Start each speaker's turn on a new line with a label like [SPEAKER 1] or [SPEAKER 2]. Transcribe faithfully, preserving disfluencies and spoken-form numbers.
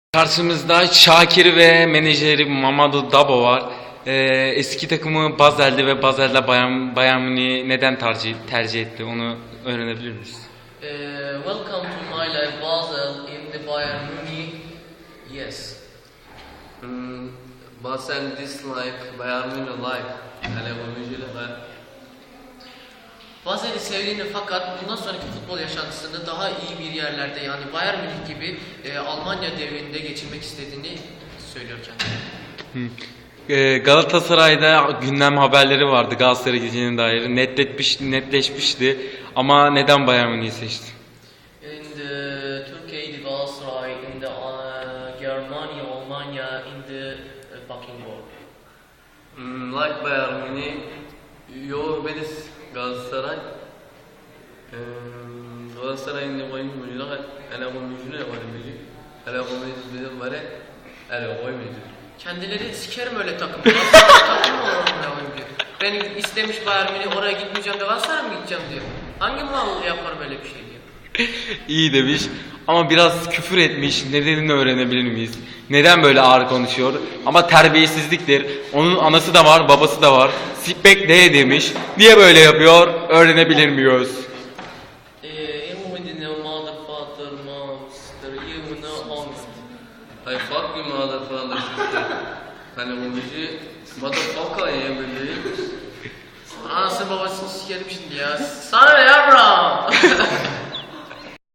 [SPEAKER 1] Karşımızda Şakir ve menajeri Mamadou Dabo var. Ee, eski takımı Basel'di ve Basel'de Bayern, Bayern Münih'i neden tercih, tercih etti onu öğrenebilir miyiz?
[SPEAKER 2] Uh, welcome to my life, Basel, in the Bayern Munich. Yes.
[SPEAKER 3] Mm, Basel dislike Bayern Munich life. Yani oyuncular.
[SPEAKER 2] Basel'i sevdiğini fakat bundan sonraki futbol yaşantısını daha iyi bir yerlerde yani Bayern Münih gibi e, Almanya devrinde geçirmek istediğini söylüyor kendisi.
[SPEAKER 1] Ee, Galatasaray'da gündem haberleri vardı Galatasaray gideceğine dair netleşmiş, netleşmişti ama neden Bayern Münih'i seçti?
[SPEAKER 2] In the Turkey, the Galatasaray, in the uh, Germany, Almanya, in the uh, fucking war.
[SPEAKER 3] Mm, like Bayern Munich, your best Galatasaray. Um, Galatasaray'ın oyuncuları, ana oyuncular var mıydı? Ana oyuncular var, ana oyuncular.
[SPEAKER 2] Kendileri sikerim öyle takım. Takım mı olur onunla oyuncu? Ben istemiş Bayern Münih oraya gitmeyeceğim de Galatasaray'a mı gideceğim diyor. Hangi mal yapar böyle bir şey diyor.
[SPEAKER 1] İyi demiş ama biraz küfür etmiş. Nedenini öğrenebilir miyiz? Neden böyle ağır konuşuyor? Ama terbiyesizliktir. Onun anası da var, babası da var. Sipek ne demiş? Niye böyle yapıyor? Öğrenebilir miyiz?
[SPEAKER 2] Eee, you with no motherfucker, monster, you know honest.
[SPEAKER 3] I fuck you motherfucker. Hani oyuncu motherfucker ya böyle.
[SPEAKER 2] Anasını babasını sikerim şimdi ya. Sana ne ya bro?